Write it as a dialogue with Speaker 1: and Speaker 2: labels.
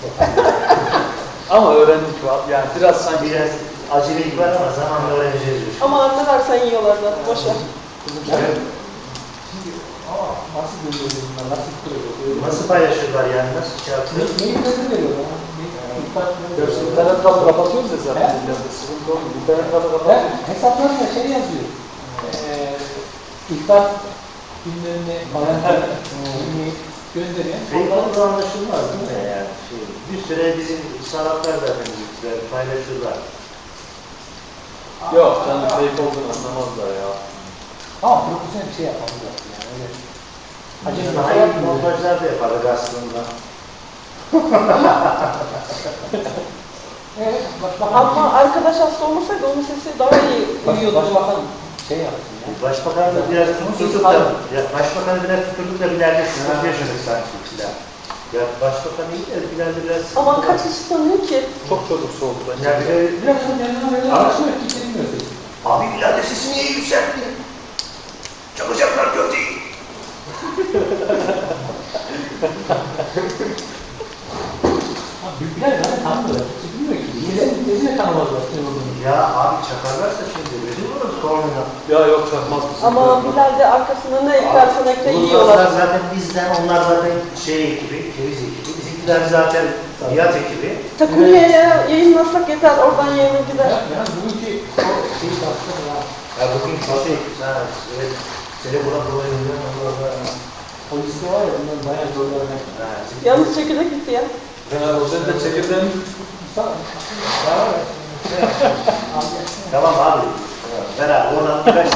Speaker 1: Ama öğrendik var. Yani biraz sanki
Speaker 2: Biraz acelelik var ama zamanla öğreneceğiz.
Speaker 3: Ama annelersen yiyorlar zaten. Boşver.
Speaker 4: Ama nasıl görüyorlar bunlar, nasıl kuruyorlar?
Speaker 2: Nasıl paylaşıyorlar yani? Nasıl şey yapıyor?
Speaker 4: Neyi nasıl veriyorlar?
Speaker 1: internet kalı kapatıyoruz ya zaten. Sıkıntı olmuyor. İnternet kalı kapatıyoruz.
Speaker 4: Hesaplarında şey yazıyor. İhbar günlerini falan gönderiyor.
Speaker 2: Facebook'ta anlaşılmaz değil mi yani? Bir süre bizim sanatlar zaten bizimkiler paylaşırlar.
Speaker 1: Yok canım fake olduğunu anlamazlar ya.
Speaker 4: Ama profesyonel bir şey yapmamız lazım yani. Öyle.
Speaker 2: Acaba hayır montajlar da yapardık aslında.
Speaker 4: Evet, başbakan.
Speaker 3: Ama arkadaş hasta olmasaydı onun sesi daha iyi duyuyordu.
Speaker 4: Başbakan şey yapsın ya.
Speaker 2: Başbakanı da biraz tuturduk da, Başbakanı biraz tuturduk da ileride sıkıntı yaşadık sanki ikiden. Ya başbakan iyi de ileride biraz...
Speaker 3: Aman kaç kişi sanıyor ki?
Speaker 1: Çok çocuk soğudu bence.
Speaker 2: Ya bir de...
Speaker 4: Biraz da kendine böyle alışıyor, kimse bilmiyor.
Speaker 2: Abi ileride sesi niye yükseltti? Çalacaklar kötüyü.
Speaker 4: Büyükler zaten tanımıyorlar. Kimse bilmiyor ki. Nesine tanımazlar ne olduğunu.
Speaker 2: Ya abi çakarlarsa şimdi rezil oluruz sorunla.
Speaker 1: Ya yok çakmaz mısın?
Speaker 3: Ama Bilal de arkasında ne eklersen ekle
Speaker 2: Uluslararası
Speaker 3: yiyorlar.
Speaker 2: zaten bizden, onlar zaten şey ekibi, keviz ekibi. Bizimkiler zaten Nihat ekibi.
Speaker 3: Takımiyeye yayınlasak yeter. Oradan yayına gider.
Speaker 4: Yani bugünkü o şeyi tartıştık ya.
Speaker 2: Ya bugün şey, evet, seni buna dolayısıyla
Speaker 4: O liste var ya, bundan bayağı zorlarına.
Speaker 3: Yalnız çekirdek gitti ya.
Speaker 1: O senin de çekirdeğin
Speaker 2: Tamam abi. Beraber oradan